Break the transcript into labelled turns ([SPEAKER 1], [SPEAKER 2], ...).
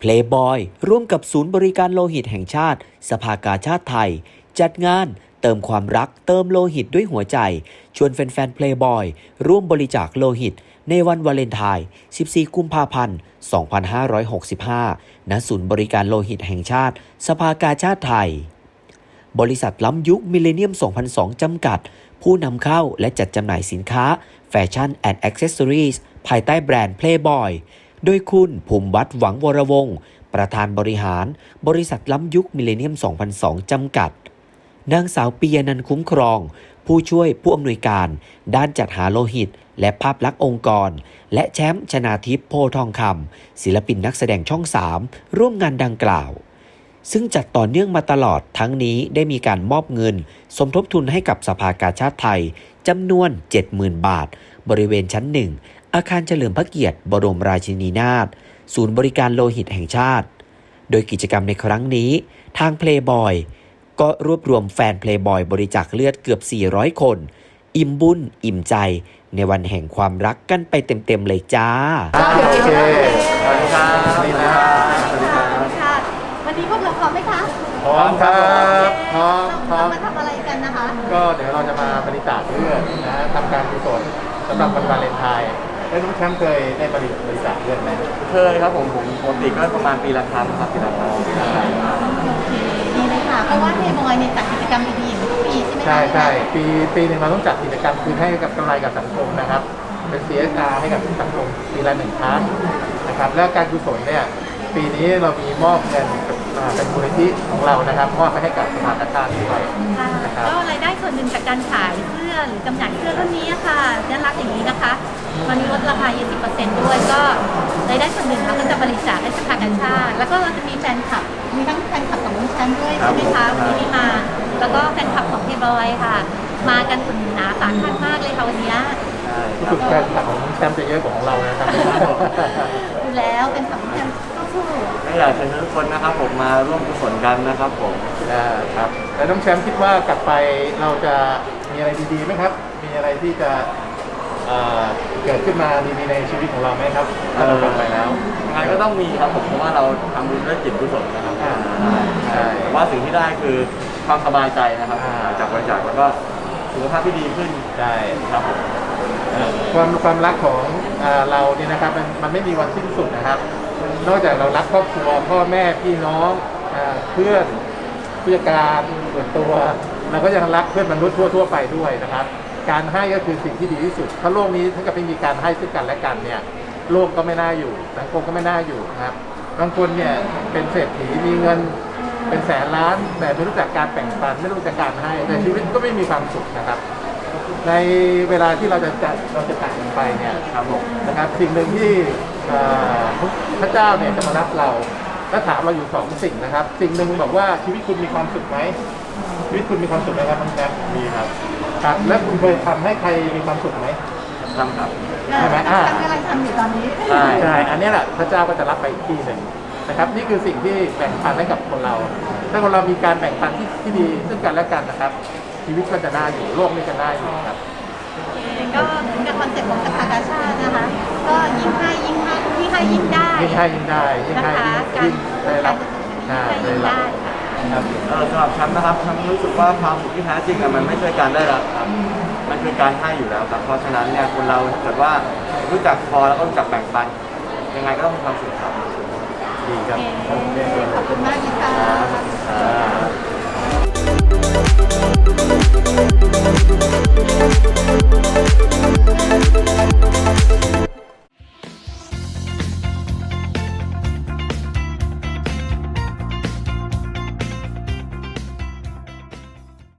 [SPEAKER 1] Playboy ร่วมกับศูนย์บริการโลหิตแห่งชาติสภากาชาติไทยจัดงานเติมความรักเติมโลหิตด้วยหัวใจชวนแฟนๆ Playboy ร่วมบริจาคโลหิตในวันวาเลนไทน์ 14 กุมภาพันธ์ 2565 ณ ศูนย์บริการโลหิตแห่งชาติสภากาชาติไทยบริษัทล้ำยุคมิลเลนเนียม 2002 จำกัดผู้นำเข้าและจัดจำหน่ายสินค้าแฟชั่นแอนด์แอ็กเซสซอรีส์ภายใต้แบรนด์ Playboy โดยคุณภูมิวัฒน์หวังวรวงศ์ประธานบริหารบริษัทล้ำยุคมิลเลนเนียม 2002 จำกัดนางสาวปียนันท์คุ้มครองผู้ช่วยผู้อำนวยการด้านจัดหาโลหิตและภาพลักษณ์องค์กรและแชมป์ชนาทิพย์โพทองคำศิลปินนักแสดงช่อง 3 ร่วมงานดังกล่าวซึ่งจัดต่อเนื่องมาตลอดทั้งนี้ได้มีการมอบเงินสมทบทุนให้กับสภากาชาติไทยจำนวน 70,000 บาทบริเวณชั้น 1 อาคารเฉลิมพระเกียรติบรมราชินีนาถศูนย์บริการโลหิตแห่งชาติโดยกิจกรรมในครั้งนี้ทาง Playboy ก็รวบรวมแฟน Playboy บริจาคเลือดเกือบ 400 คนอิ่มบุญอิ่มใจในวันแห่งความรักกันไปเต็มๆเลยจ้า
[SPEAKER 2] โอเคสวัสดีครับสวัสดีครับ
[SPEAKER 3] วันนี้พวกเราพร้อมไหมคะ
[SPEAKER 2] พร้อมครับพร้อม
[SPEAKER 3] เรามาทำอะไรกันนะคะ
[SPEAKER 2] ก็เดี๋ยวเราจะมาบริจาคเลือดนะทำการกุศลสำหรับวันวาเลนไทน์น้องแชมป์เคยได้บริจาคเลือดไหม
[SPEAKER 4] เคยครับผมปกติก็ประมาณปีละครั้งครับปีละครั้ง
[SPEAKER 3] ดีเลยค่ะเพราะว่าPlayboyเนี่ยจัดกิจกรรมดีๆอย่างทุกปีใช่ไหมคะ
[SPEAKER 2] ใช่ปีหนึ่งเราต้องจัดกิจกรรมคืนให้กับกำไรกับสังคมนะครับเป็น CSR ให้กับสังคมปีละ1 ครั้งนะครับแล้วการกุศลเนี่ยปีนี้เรามีมอบเงินเป็นมูลนิธิของเรานะครับมอบไปให้กับสภากาชาติด้วยนะครับ
[SPEAKER 3] ก็รายได้ส่วนหนึ่งจากการขายเสื้อหรือจำหน่ายเสื้อรุ่นนี้ค่ะน่ารักอย่างนี้นะคะตอนนี้ลดราคา 20% ด้วยก็รายได้ส่วนหนึ่งเราก็จะบริจาคให้สภากาชาติแล้วก็เราจะมีแฟนคลับมีทั้งแฟนคลับของน้องแชมป์ด้วยใช่ไหมคะวันนี้ที่มาแล้วก็แฟนคลับของ Playboy ค่ะมากันอุ่นหนาสาหัสมากเลยค่ะวันนี้
[SPEAKER 2] รู้สึกแฟนคลับของน้องแชมป์จะเยอะกว่าของเรานะครับ
[SPEAKER 3] ดูแล้วเป็นคำที่สู้
[SPEAKER 4] ก็อยากเชิญทุกคนนะครับผมมาร่วมกุศลกันนะครับผม
[SPEAKER 2] ครับแล้วน้องแชมป์คิดว่ากลับไปเราจะมีอะไรดีๆไหมครับมีอะไรที่จะเกิดขึ้นมาดีๆในชีวิตของเราไหมครับถ้าเรากลับไปแล้ว
[SPEAKER 4] ยังไงก็ต้องมีครับผมเพราะว่าเราทำบุญด้วยจิตกุศลนะครับ
[SPEAKER 2] ใช่
[SPEAKER 4] ว่าสิ่งที่ได้คือความสบายใจนะครับจากบริจาคแล้วก็สุขภาพที่ดีขึ้น
[SPEAKER 2] ใช่
[SPEAKER 4] ครับผม
[SPEAKER 2] ความรักของเราเนี่ยนะครับมันไม่มีวันสิ้นสุดนะครับนอกจากเรารักครอบครัวพ่อแม่พี่น้องเพื่อนผู้จัดการส่วนตัวเราก็ยังรักเพื่อนมนุษย์ทั่วไปด้วยนะครับการให้ก็คือสิ่งที่ดีที่สุดถ้าโลกนี้ถ้าเกิดไม่มีการให้ซึ่งกันและกันเนี่ยโลกก็ไม่น่าอยู่สังคมก็ไม่น่าอยู่นะครับบางคนเนี่ยเป็นเศรษฐีมีเงินเป็นแสนล้านแต่ไม่รู้จักการแบ่งปันไม่รู้จักการให้แต่ชีวิตก็ไม่มีความสุขนะครับในเวลาที่เราจะจากกันไปเนี่ยครับผมนะครับสิ่งหนึ่งที่พระเจ้าเนี่ยจะมารับเราและถามเราอยู่2 สิ่งนะครับสิ่งหนึ่งบอกว่าชีวิตคุณมีความสุขไหมชีวิตคุณมีความสุขไหมครับน้องแจ๊ค
[SPEAKER 4] มีครับ
[SPEAKER 2] ครับแล้วคุณเคยทำให้ใครมีความสุขไหม
[SPEAKER 4] ทำครับ
[SPEAKER 2] ใช่ไหม
[SPEAKER 3] กำลังทำอยู่ตอนนี้
[SPEAKER 2] ใช่อันนี้แหละพระเจ้าก็จะรับไปอีกที่หนึ่งนะครับนี่คือสิ่งที่แบ่งปันให้กับคนเราถ้าคนเรามีการแบ่งปันที่ดีซึ่งกันและกันนะครับชีวิตก็จะน่าอยู่โลกนี้จะน่าอยู่ครับ
[SPEAKER 3] ก็เป็นคอนเซ็ปต์ของสภากาชาตินะคะก็ยิ่งให้ยิ่งได้
[SPEAKER 2] ยิ่งให้ยิ่งได้ยิ่งให้ยิ่งได้รับ
[SPEAKER 3] ได้รับ
[SPEAKER 4] ครับสำหรับฉันนะครับฉันรู้สึกว่าความสุขที่แท้จริงมันไม่ใช่การได้รับครับมันคือการให้อยู่แล้วครับเพราะฉะนั้นเนี่ยคนเราถ้าเกิดว่ารู้จักพอแล้วก็รู้จักแบ่งปันยังไงก็ต้องมีความสุขครับ
[SPEAKER 2] ดีครับ
[SPEAKER 3] ขอบคุณมากค่ะ